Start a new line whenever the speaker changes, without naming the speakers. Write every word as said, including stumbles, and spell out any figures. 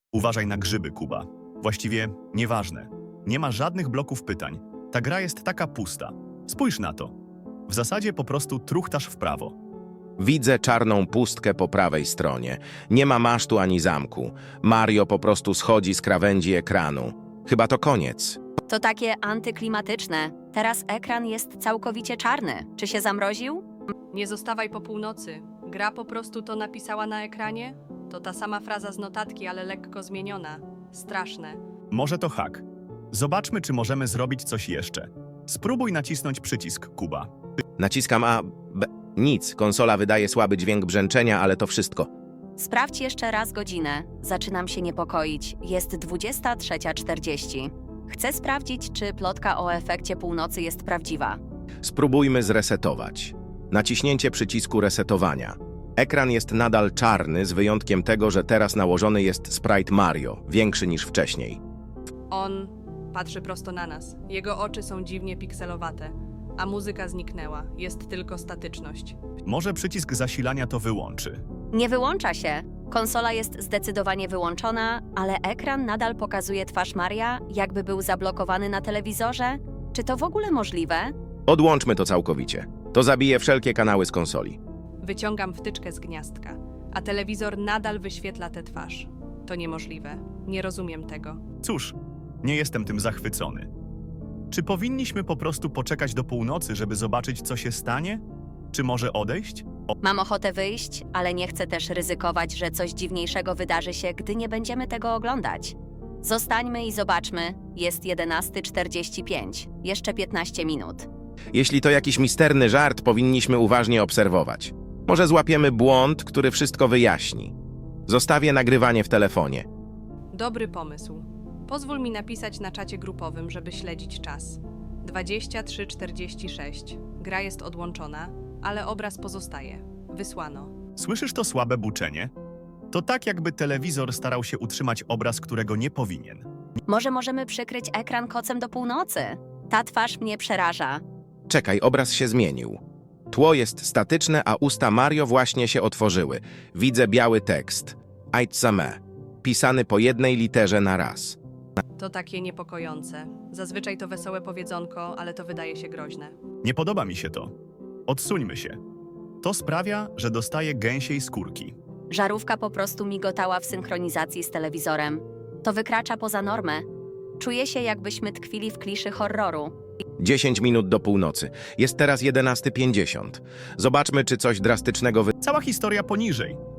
Uważaj na grzyby, Kuba. Właściwie nieważne. Nie ma żadnych bloków pytań. Ta gra jest taka pusta. Spójrz na to. W zasadzie po prostu truchtasz w prawo.
Widzę czarną pustkę po prawej stronie. Nie ma masztu ani zamku. Mario po prostu schodzi z krawędzi ekranu. Chyba to koniec.
To takie antyklimatyczne. Teraz ekran jest całkowicie czarny. Czy się zamroził?
Nie zostawaj po północy. Gra po prostu to napisała na ekranie? To ta sama fraza z notatki, ale lekko zmieniona. Straszne.
Może to hak. Zobaczmy, czy możemy zrobić coś jeszcze. Spróbuj nacisnąć przycisk, Kuba.
Naciskam A, B. Nic. Konsola wydaje słaby dźwięk brzęczenia, ale to wszystko.
Sprawdź jeszcze raz godzinę. Zaczynam się niepokoić. Jest dwudziesta trzecia czterdzieści. Chcę sprawdzić, czy plotka o efekcie północy jest prawdziwa.
Spróbujmy zresetować. Naciśnięcie przycisku resetowania. Ekran jest nadal czarny, z wyjątkiem tego, że teraz nałożony jest sprite Mario, większy niż wcześniej.
On patrzy prosto na nas. Jego oczy są dziwnie pikselowate, a muzyka zniknęła. Jest tylko statyczność.
Może przycisk zasilania to wyłączy.
Nie wyłącza się. Konsola jest zdecydowanie wyłączona, ale ekran nadal pokazuje twarz Maria, jakby był zablokowany na telewizorze. Czy to w ogóle możliwe?
Odłączmy to całkowicie. To zabije wszelkie kanały z konsoli.
Wyciągam wtyczkę z gniazdka, a telewizor nadal wyświetla tę twarz. To niemożliwe. Nie rozumiem tego.
Cóż, nie jestem tym zachwycony. Czy powinniśmy po prostu poczekać do północy, żeby zobaczyć, co się stanie? Czy może odejść?
Mam ochotę wyjść, ale nie chcę też ryzykować, że coś dziwniejszego wydarzy się, gdy nie będziemy tego oglądać. Zostańmy i zobaczmy. Jest jedenasta czterdzieści pięć. Jeszcze piętnaście minut.
Jeśli to jakiś misterny żart, powinniśmy uważnie obserwować. Może złapiemy błąd, który wszystko wyjaśni. Zostawię nagrywanie w telefonie.
Dobry pomysł. Pozwól mi napisać na czacie grupowym, żeby śledzić czas. dwadzieścia trzy czterdzieści sześć. Gra jest odłączona, ale obraz pozostaje. Wysłano.
Słyszysz to słabe buczenie? To tak, jakby telewizor starał się utrzymać obraz, którego nie powinien.
Może możemy przykryć ekran kocem do północy? Ta twarz mnie przeraża.
Czekaj, obraz się zmienił. Tło jest statyczne, a usta Mario właśnie się otworzyły. Widzę biały tekst. Aitsame. Pisany po jednej literze na raz.
To takie niepokojące. Zazwyczaj to wesołe powiedzonko, ale to wydaje się groźne.
Nie podoba mi się to. Odsuńmy się. To sprawia, że dostaję gęsiej skórki.
Żarówka po prostu migotała w synchronizacji z telewizorem. To wykracza poza normę. Czuję się, jakbyśmy tkwili w kliszy horroru.
dziesięć minut do północy. Jest teraz jedenasta pięćdziesiąt. Zobaczmy, czy coś drastycznego wy...
Cała historia poniżej.